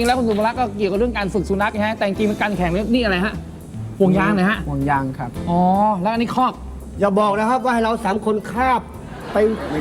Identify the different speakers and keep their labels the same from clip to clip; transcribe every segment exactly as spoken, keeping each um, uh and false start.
Speaker 1: แล้วคุณสุภลักษณ์ก็เกี่ยวกับเรื่องการฝึกสุนัขนะฮะแต่จริงๆมันการแข่งนี่อะไรฮะห่วงยางนะฮะ
Speaker 2: ห่วงยางครับ
Speaker 1: อ๋อแล้วอันนี้คอก
Speaker 3: อย่าบอกนะครับว่าให้เราสามคนคาบไป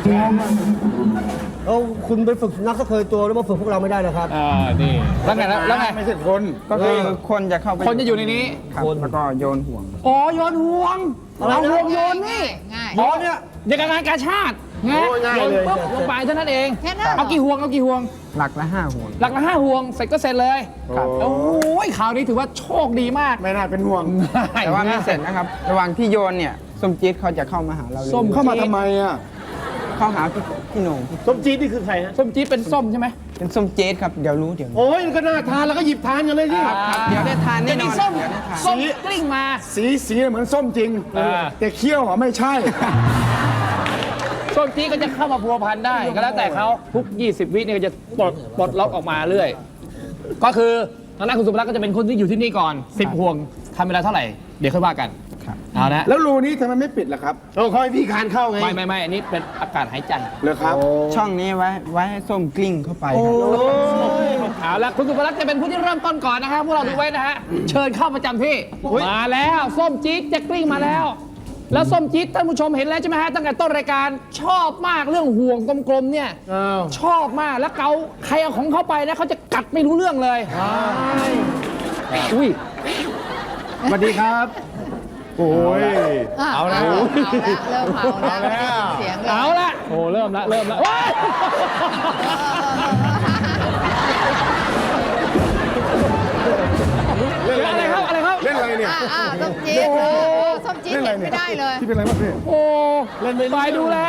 Speaker 3: เอาคุณไปฝึกสุนัขสักเคยตัวแล้วมาฝึกพวกเราไม่ได้นะครับ
Speaker 1: อ่านี่แล้วไงแล้วไง
Speaker 4: ไม่ใช่คน
Speaker 2: ก็คือคนจะเข้าไป
Speaker 1: คนจะอยู่ในนี้
Speaker 2: ครับแล้วก็โยนห่วง
Speaker 1: อ๋อโยนห่วงเอาห่วงโยนนี่
Speaker 5: ง่าย
Speaker 1: อ๋อเนี่ยเด็กงานกาชาติไงโยนปุ๊บลงไปเท่านั้นเอง
Speaker 5: แค่นั้น
Speaker 1: เอากี่ห่วงเอากี่ห่วง
Speaker 2: หลักละห้าห่วง
Speaker 1: หลักละห้าห่วงเสร็จก็เสร็จเลย
Speaker 2: ครับ
Speaker 1: โอ้ยข่าวนี้ถือว่าโชคดีมาก
Speaker 4: ไม่น่าเป็นห่วง
Speaker 2: แต่ว่าไม่เสร็จนะครับ ระหว่างที่โยนเนี่ยส้มจี๊ดเขาจะเข้ามาหาเราเลย
Speaker 1: ส้ม
Speaker 4: เข้ามาทำไมอ่ะ
Speaker 2: เข้าหาพี่พี่โหน่ง
Speaker 3: ส้มจี๊ดนี่คือใครฮะ
Speaker 1: ส้มจี๊ดเป็นส้มใช่ไหม
Speaker 2: เป็นส้มจี๊ดครับเดี๋ยวรู้เดี๋ยวรู้
Speaker 3: โอ้ยก็น่าทานแล้วก็หยิบทานกันเลยที่
Speaker 2: ครับครับเดี๋ยวได้ทาน
Speaker 1: แต่
Speaker 2: แน่นอ
Speaker 1: นี่
Speaker 2: น
Speaker 1: ส้ม
Speaker 2: เดี๋ยวได้ทาน
Speaker 1: ส้มกลิ้งมา
Speaker 4: สีสีเหมือนส้มจริง
Speaker 1: อ่า
Speaker 4: แต่เคี้ยวอ่ะไม่ใช่
Speaker 1: ส้มจี๊ดก็จะเข้ามาพัวพันได้ก็แล้วแต่เขาทุกยี่สิบวิเนี่ยก็จะปลดปลดล็อกออกมาเรื่อยก็คือทางด้านคุณสุภลักษณ์ก็จะเป็นคนที่อยู่ที่นี่ก่อนสิบห่วงทำเวลาเท่าไหร่เดี๋ยวค่อยว่ากันเอานะ
Speaker 4: แล้วรูนี้ทำไมไม่ปิดล่ะครับ
Speaker 3: เราคอยพี่คานเข้าไง
Speaker 1: ไม่ไม่ไม่อันนี้เป็นอากาศหายใจ
Speaker 4: เลยครับ
Speaker 2: ช่องนี้ไว้ไว้ให้ส้มกลิ้งเข้าไปครับ
Speaker 1: เอาละคุณสุภลักษณ์จะเป็นผู้ที่เริ่มต้นก่อนนะครับพวกเราดูไว้นะฮะเชิญเข้าประจำที่มาแล้วส้มจี๊ดจะกลิ้งมาแล้ว แล้วส้มจี๊ดท่านผู้ชมเห็นแล้วใช่ไหมฮะตั้งแต่ต้นรายการชอบมากเรื่องห่วงกลมๆเนี่ยชอบมากแล้วเกาใครเอาของเขาไปนะเขาจะกัดไม่รู้เรื่องเลยอุ้ย
Speaker 4: สวัสดีครับ โอ้ย
Speaker 5: เอาละเริ่มเมาแล้วเสียง
Speaker 1: เอาละโอ้เริ่มละเริ่มละว้ายอะไรครับอะไรครับ
Speaker 4: เล่นอะไรเนี่ย
Speaker 5: อ่าส้มจี๊ดส้มจี๊ดเห็นไม่ได้เลย
Speaker 4: ที่เป็นอะไรบ้างพี่
Speaker 1: โอ้เล่นไปดูแล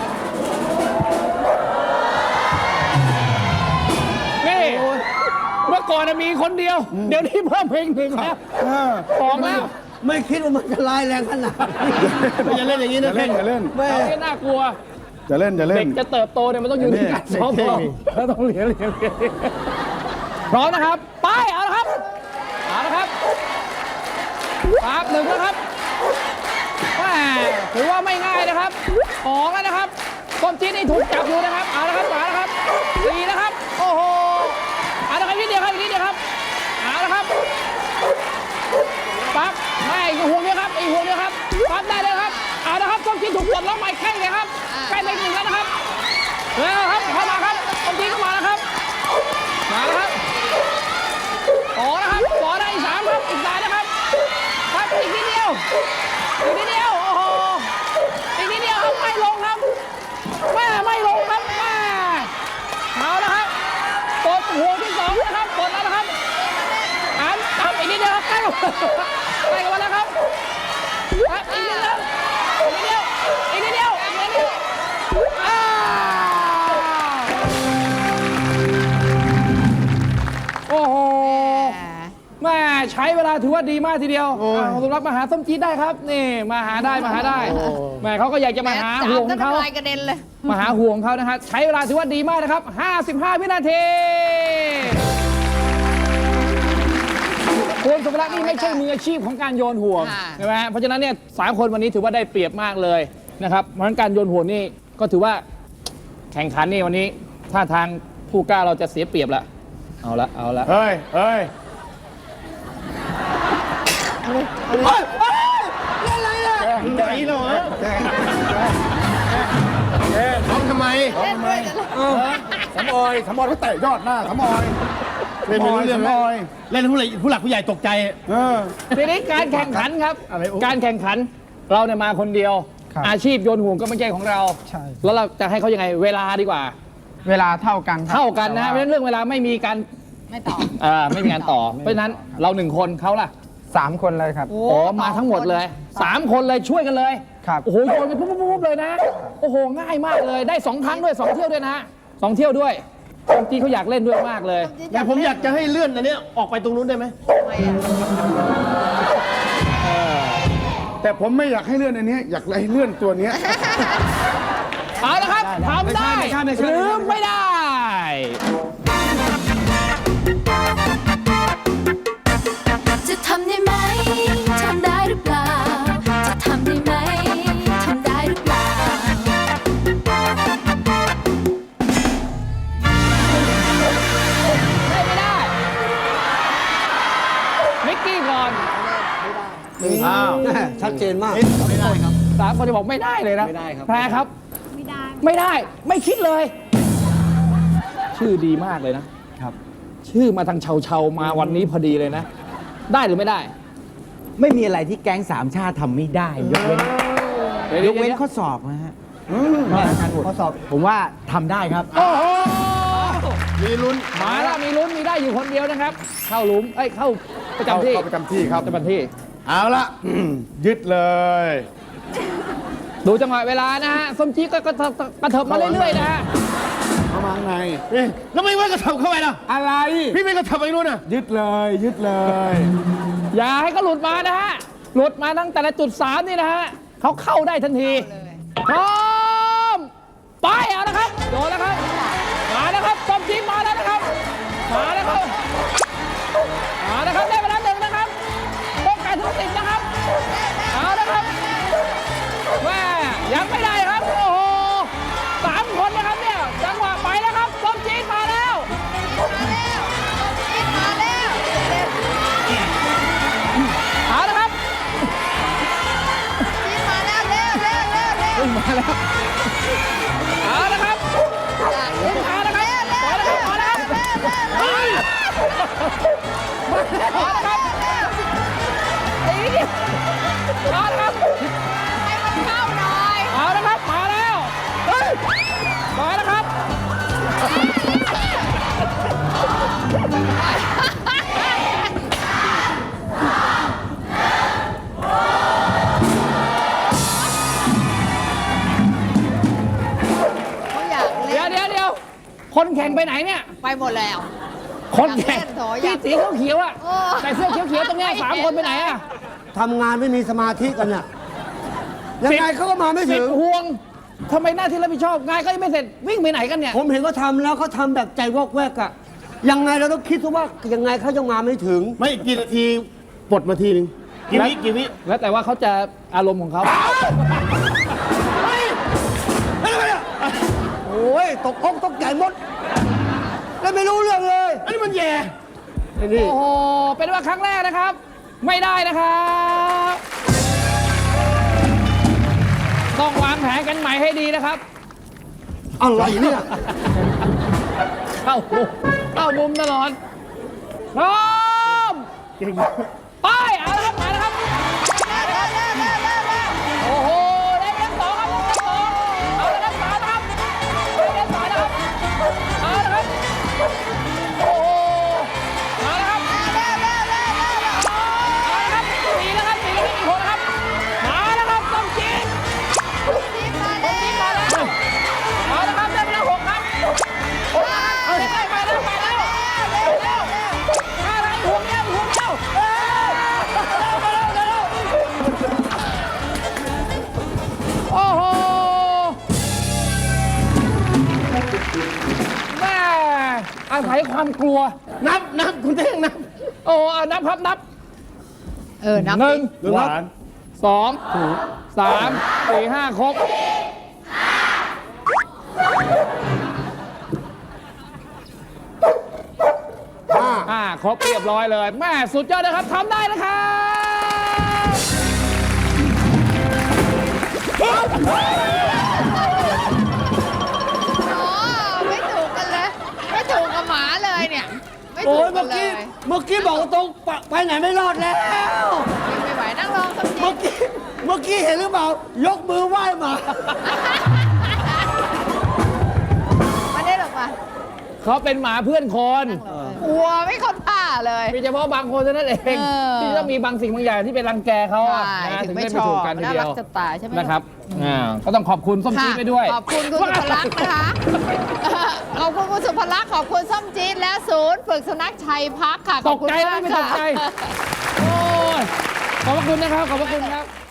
Speaker 1: นี่เมื่อก่อนมีคนเดียว เดี๋ยวนี้เพิ่มเพลงหนึ่งแล้วสองแล้ว
Speaker 3: ไม่คิดว่ามันจะร้ายแรงขนาดนี้อย่าเล่นอย่างนี้
Speaker 4: อย่า
Speaker 3: นะ
Speaker 4: เล่นอย่าเล่น
Speaker 3: แม่
Speaker 1: ไม่น่ากลัว
Speaker 4: อย่าเล่นอย่าเล่
Speaker 1: เด็
Speaker 4: น
Speaker 1: กจะเติบโตเนี่ยมันต้องอยู่ในการซ้อมก่อนแล้วต้องเรียนเรียนเรียนพร้อมนะครับไปเอาละครับเอาละครับครับหนึ่งแล้วครับแหมถือว่าไม่ง่ายนะครับสองแล้วนะครับส้มจี๊ดนี่ถูกจับอยู่นะครับเอาละครับมาแล้วครับสี่นะครับโอ้โหเอาละครับนิดเดียวครับอีกนิดเดียวครับเอาละครับปั๊บไม่อีกห่วงเดียวครับอีกห่วงเดียวครับปั๊บได้เลยครับเอาละครับส้มจี๊ดถูกปลดล็อกใหม่ใกล้เลยครับใกล้ไปหนึ่งแล้วนะครับแล้วครับเข้ามาครับส้มจี๊ดเข้ามาแล้วครับมาแล้วครับต่อนะครับต่อได้อีกสามครับอีกสายนะครับครับอีกนิดเดียวอีกนิดเดียวโอ้โหอีกนิดเดียวครับไม่ลงครับแม่ไม่ลงครับแม่เอาละครับกดห่วงที่สองนะครับกดแล้วนะครับอันทำอีกนิดเดียวครับใกล้ใกล้กันแล้วครับครับอีกนิดเดียวอีกนิดเดียวอีกนิดเดียวอีกนิดเดียวอ้าวโอ้โหแม่ใช้เวลาถือว่าดีมากทีเดียวเอาสำหรับมาหาส้มจี๊ดได้ครับนี่มาหาได้มาหาได้แม่เขาก็อยากจะมาหาห่วงของเขา
Speaker 5: ลายกระเด็นเลย
Speaker 1: มาหาห่วงเขานะฮะใช้เวลาถือว่าดีมากนะครับห้าสิบห้าวินาทีคุณสุภลักษณ์นี่ไม่ใช่มืออาชีพของการโยนห่วง
Speaker 5: ค่ะ
Speaker 1: ใช่ไหมเพราะฉะนั้นเนี่ยสามคนวันนี้ถือว่าได้เปรียบมากเลยนะครับเพราะฉะนั้นการโยนห่วงนี่ก็ถือว่าแข่งขันนี่วันนี้ท่าทางผู้กล้าเราจะเสียเปรียบละเอาละเอาละ
Speaker 4: เฮ้ยเฮ้ย
Speaker 3: ไหนเหรอทำทำไม
Speaker 5: เล่นด้วยจะ
Speaker 4: สำออยสำออยเขาเตะยอดหน้าสำออย
Speaker 3: เล่นไม่รู้เรื่อง
Speaker 4: สำออย
Speaker 3: เล่นผู้ใหญ่ผู้หลักผู้ใหญ่ตกใจ
Speaker 4: เออ
Speaker 1: ทีนี้การแข่งขันครับ
Speaker 3: อะไรโอ้
Speaker 1: การแข่งขันเราเนี่ยมาคนเดียว
Speaker 2: ครับ
Speaker 1: อาชีพโยนห่วงก็ไม่ใช่ของเรา
Speaker 2: ใช่
Speaker 1: แล้วเราจะให้เขายังไงเวลาดีกว่า
Speaker 2: เวลาเท่ากันครับ
Speaker 1: เท่ากันนะ
Speaker 2: แต่
Speaker 1: เพราะ
Speaker 2: ว่า
Speaker 1: ฉะนั้นเรื่องเวลาไม่มีการ
Speaker 5: ไม่ตอบ
Speaker 1: อ่าไม่มีการต่อ เพราะฉะนั้นเราหนึ่งคนเขาล่ะ
Speaker 2: สามคนเลยครับ
Speaker 1: อ๋อมาทั้งหมดเลยสามคนเลยช่วยกันเลย
Speaker 2: ครับ
Speaker 1: โอ้โหโยนกันปุ๊บปุ๊บปุ๊บเลยนะโอ้โหง่ายมากเลยได้สองครั้งด้วยสองเที่ยวด้วยนะฮะสองเที่ยวด้วยบางทีเขาอยากเล่นด้วยมากเลย
Speaker 3: แต่ผมอยากจะให้เลื่อนอันเนี้ยออกไปตรงนู้นได้ไหม
Speaker 4: แต่ผมไม่อยากให้เลื่อนอันเนี้ยอยากให้เลื่อนตัวเนี้ย
Speaker 1: เอาละครับทำได้หรือไม่ได้
Speaker 6: จะทำได้ไหม ทำได้หรือเปล่า จะทำได้ไหม ทำได้หรือเปล่า
Speaker 1: ได้ไม่ได้
Speaker 3: เจนมาก
Speaker 1: ไม่ได้ครับสามคนจะบอกไม่ได้เลยนะ
Speaker 3: ไม่ได้ครับ
Speaker 1: แพรครับ ไม่ได้ ไม่ได้ ไม่คิดเลย ชื่อดีมากเลยนะ
Speaker 3: ครับ
Speaker 1: ชื่อมาทางเชาเชาๆมาวันนี้พอดีเลยนะ ได้หรือไม่ได้
Speaker 7: ไม่มีอะไรที่แก๊งสามชาติทำไม่ได้ ยกเว้น
Speaker 1: ดี๋
Speaker 7: ยกเว้นข้อสอบนะฮะข้อสอบผมว่าทำได้ครับ
Speaker 1: โอ้โห
Speaker 4: มีลุ้น
Speaker 1: มาแล้วมีลุ้นมีได้อยู่คนเดียวนะครับ เข้าหลุมเอ้ยเข้าประจำที่
Speaker 4: เข้าประจำที่ครับ
Speaker 1: ประจำที่
Speaker 4: เอาละอืมยึดเลย
Speaker 1: ดูจังหวะเวลานะฮะส้มจี๊ดก็กระเถิบกระเถิบมาเรื่อยๆนะฮะ
Speaker 4: เข้ามาข้างใน
Speaker 3: แล้วไม่ว่ากระเถิบเข้าไปล่ะ
Speaker 4: อะไร
Speaker 3: พี่ไม่กระเถิบไปนู่นน่ะ
Speaker 4: ยึดเลย ยึดเลย
Speaker 1: อย่าให้เขาหลุดมานะฮะหลุดมาตั้งแต่ละจุดสามนี่นะฮะเขาเข้าได้ทันทีพร้อมไปเอาละครับโดนแล้วครับมาแล้วครับส้มจี๊ดมาแล้วนะครับมาแล้วครับมาแล้วครับได้เวลาหนึ่งนะครับต้องการถึงสิบนะครับเอาละครับแม่ยังไม่ได้ครับโอ้โหสามคนนะครับเนี่ยจังหวะไปแล้วครับส้มจี๊ดมาแล้วเอาละครับมาแล้วเอาละครับเอาละครับปล่อยแล้วครับปล่อยแล้วครับเอาละครับตีดิเอาละครับเอาละครับมาแล้วเฮ้ยมาแล้วครับเดี๋ยวเดี๋ยวเดี๋ยวคนแข่งไปไหนเนี่ย
Speaker 5: ไปหมดแล้ว
Speaker 1: คนแข่ง
Speaker 5: อยากเล่นโถอยาก
Speaker 1: ที่สีเขียวๆอ่ะ
Speaker 5: โอ้
Speaker 1: ใส่เสื้อเขียวๆตรงเนี้ยสามคนไปไหนอ่ะ
Speaker 3: ทำงานไม่มีสมาธิกันเนี่ยยังไงเขาก็มาไม่
Speaker 1: สิ
Speaker 3: ถึ
Speaker 1: บ
Speaker 3: ง
Speaker 1: ห่วงทำไมหน้าที่รับผิดชอบงานก็ยังไม่เสร็จวิ่งไปไหนกันเนี่ย
Speaker 3: ผมเห็นเขาทำแล้วเขาทำแบบใจวอกแวกอะยังไงเราต้องคิดว่ายังไงเขายังมาไม่ถึง
Speaker 4: ไม่กี่นาทีปลดมาทีหนึงกี่วิกี่วิ
Speaker 1: แล้วแต่ว่าเขาจะอารมณ์ของเขา
Speaker 3: โอ้ยตกอกตกใจหมด แล้วไม่รู้เรื่องเลย
Speaker 4: อันนี้มันแย่
Speaker 3: ไอ้นี่
Speaker 1: โอ้โหเป็นว่าครั้งแรกนะครับ ไม่ได้นะครับต้องวางแผนกันใหม่ให้ดีนะครับ
Speaker 3: อะไรเนี่ย
Speaker 1: เข้ามุมเข้ามุมตลอดพร้อมไปเอาละครับมาแล้วครับโอ้โหได้เล่นสองครับเล่นสองเอาละครับสามนะครับเล่นสามนะครับเอาละครับโอ้โหมาแล้วครับเอาละครับสี่แล้วครับสี่แล้วอีกคนนะครับมาแล้วครับต้องจีนต้องจีนมาแล้วเอาละครับได้เวลาหกครับเอาได้ไปแล้วไปแล้วเร็วเร็วอะไรห่วงเดียวห่วงเดียวเอ้ยเร็วเร็วเร็วโอ้โหแม่อาศัยความกลัว
Speaker 3: นับนับคุณเท่งนับ
Speaker 1: โอ้เอานับครับนับ
Speaker 5: เออ นับ
Speaker 1: หนึ่ง
Speaker 4: หวาน
Speaker 1: สองสามสี่ห้าครบห้าครบเรียบร้อยเลยแม่สุดยอดนะครับทำได้นะครับ
Speaker 5: อ๋อไม่ถูกกันเลย ไม่ถูกกับหมาเลยเนี่ย ไม่
Speaker 3: โอ้
Speaker 5: ถู
Speaker 3: ย
Speaker 5: กกั
Speaker 3: เมื่
Speaker 5: น
Speaker 3: อ
Speaker 5: เล
Speaker 3: กี้
Speaker 5: ย
Speaker 3: เมื่อกี้บอกตรงๆไปไปไหนไม่รอดแล้ว
Speaker 5: ยังไม่ไหวนั่งรองสักที
Speaker 3: เมื่อกี้เมื่อกี้เห็นหรือเปล่ายกมือไหว้หมา
Speaker 5: มาได้หรอกมา
Speaker 1: เขาเป็นหมาเพื่อนคน
Speaker 5: กลัวไม่เข้าท่าเลย
Speaker 1: มีเฉพาะบางคนเท่านั้นเอง
Speaker 5: เออ
Speaker 1: ที่ต้องมีบางสิ่งบางอย่างที่เป็นรังแกเขาอะ
Speaker 5: ใช่
Speaker 1: นะ
Speaker 5: ถึ
Speaker 1: ถึ
Speaker 5: ง
Speaker 1: ง
Speaker 5: ไม่
Speaker 1: ได้
Speaker 5: ช
Speaker 1: ไม่
Speaker 5: อ
Speaker 1: ถู
Speaker 5: บ
Speaker 1: กกันที
Speaker 5: น่า
Speaker 1: เดี
Speaker 5: รั
Speaker 1: ย
Speaker 5: ก
Speaker 1: ว
Speaker 5: จะตายใช่ไหม
Speaker 1: นะครับอ่าก็ต้องขอบคุณส้มจี๊ดไปด้วย
Speaker 5: ขอบคุณคุณสุภลักษณ์นะคะ ขอบคุณคุณสุภลักษณ์ขอบคุณส้มจี๊ดและศูนย์ฝึกสุนัขชัยพักค่ะ ข
Speaker 1: ต
Speaker 5: อบ
Speaker 1: ก
Speaker 5: คุณ
Speaker 1: ใจ
Speaker 5: มา
Speaker 1: นะ
Speaker 5: ก
Speaker 1: ไม่ต
Speaker 5: ค่ะ
Speaker 1: กใจ โอ้ยขอบพระคุณนะครับ ขอบพระคุณครับ